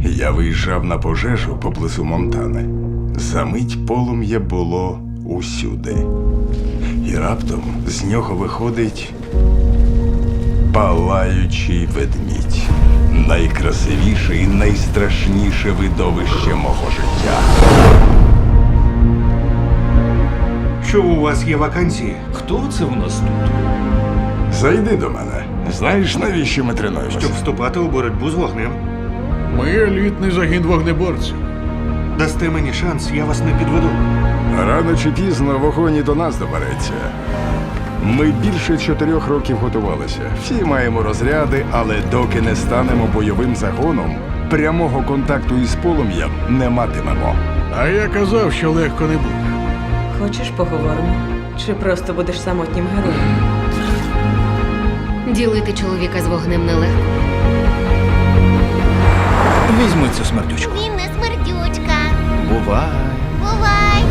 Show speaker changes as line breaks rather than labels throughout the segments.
Я виїжджав на пожежу поблизу Монтани. Замить полум'я було усюди. І раптом з нього виходить палаючий ведмідь. Найкрасивіше і найстрашніше видовище мого життя.
Що у вас є вакансії?
Хто це в нас тут?
Зайди до мене. Знаєш, навіщо ми тренуємося?
Щоб вступати у боротьбу з вогнем.
Ми елітний загін вогнеборців.
Дасте мені шанс, я вас не підведу.
Рано чи пізно вогонь і до нас добереться. Ми більше 4 років готувалися. Всі маємо розряди, але доки не станемо бойовим загоном, прямого контакту із полум'ям не матимемо.
А я казав, що легко не буде.
Хочеш, поговоримо? Чи просто будеш самотнім героєм?
Ділити чоловіка з вогнем нелегко.
Візьми цю смердючку.
Він не смердючка.
Бувай.
Бувай!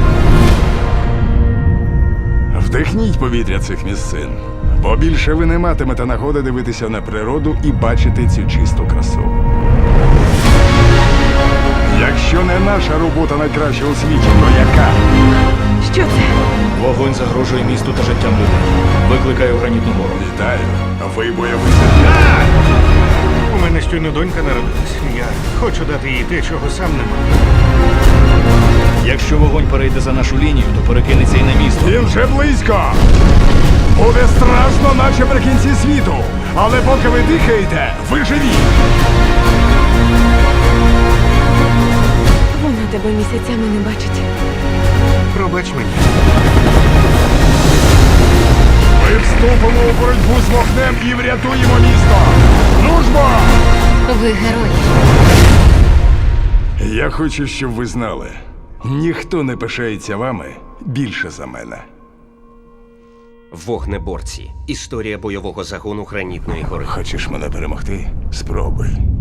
Вдихніть повітря цих місцин, бо більше ви не матимете нагоди дивитися на природу і бачити цю чисту красу. Якщо не наша робота найкраща у світі, то яка?
Що це?
Вогонь загрожує місту та життям людей. Викликаю гранітну гору.
Вітаю, ви бойовий загін.
У мене щойно донька народилась. Я хочу дати їй те, чого сам не мав.
Якщо вогонь перейде за нашу лінію, то перекинеться і на місто.
Він вже близько! Буде страшно, наче при кінці світу. Але поки ви дихаєте, ви живі.
Вона тебе місяцями не бачить.
Пробач мені.
Ми вступимо у боротьбу з вогнем і врятуємо місто. Ну ж бо!
Ви герої.
Я хочу, щоб ви знали. Ніхто не пишається вами більше за мене.
Вогнеборці. Історія бойового загону Гранітної гори.
Хочеш мене перемогти? Спробуй.